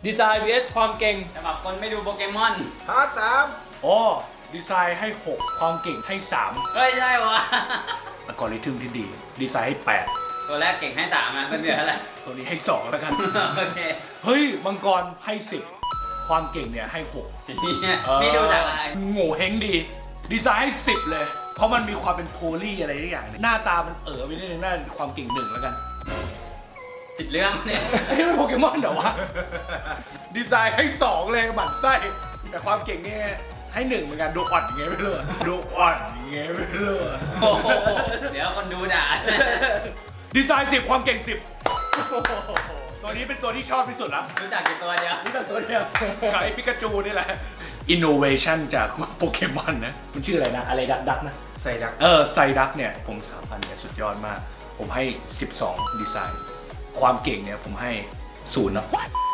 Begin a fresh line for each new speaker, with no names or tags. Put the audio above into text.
ดีไซน์ vs ความเก่ง
สำหรับคนไม่ดูโปเกมอน
พาร์ทสาม
อ๋อดีไซน์ให้ 6 ความเก่งให้ 3
เฮ้ยใช่วะ
อัลกอริทึมที่ดี ดีไซน์ให้
ตัวแรกเก่งให้3อ่ะเป็นเหลืออะไร
8 ตัวนี้ให้ 2 แล้วกัน
โอเค
เฮ้ยมังกรให้ 10 ความเก่งเนี่ยให้ 6
นี่ดูจากอะไร
โง่เฮงดี ดีไซน์ให้ 10 เลย เพราะมันมีความเป็นโพลี่อะไรทุกอย่างเนี่ยหน้าตามันไปนิดนึงน่าความเก่ง1แล้วกัน
ติดเรื่องเนี่ย
ไอ้นี่เป็นโปเกมอนเหรอวะ ดีไซน์ให้ 2 เลยหมั่นไส้แต่ความเก่งเนี่ยให้ 1เหมือนกันดูอ่อนอย่างเงี้ยไม่รู้ดูอ่อนอย่างเงี้ยไม่รู้
โอ้โหเดี๋ยวคนดูด่า
ดีไซน์10 ความเก่ง 10 ตัวนี้เป็นตัวที่ชอบที่สุดละ
รู้จักอยู่ตัวเดียว
นี่แต่ตัวเดียวกับไอ้ปิกาจูนี่แหละ Innovation จากโปเกมอนนะ มันชื่ออะไรนะ อะไรดักนะ
ใส่ดัก
ไซดักเนี่ย ผม3,000เนี่ยสุดยอดมาก ผมให้ 12 ดีไซน์ ความเก่งเนี่ย ผมให้ 0 นะ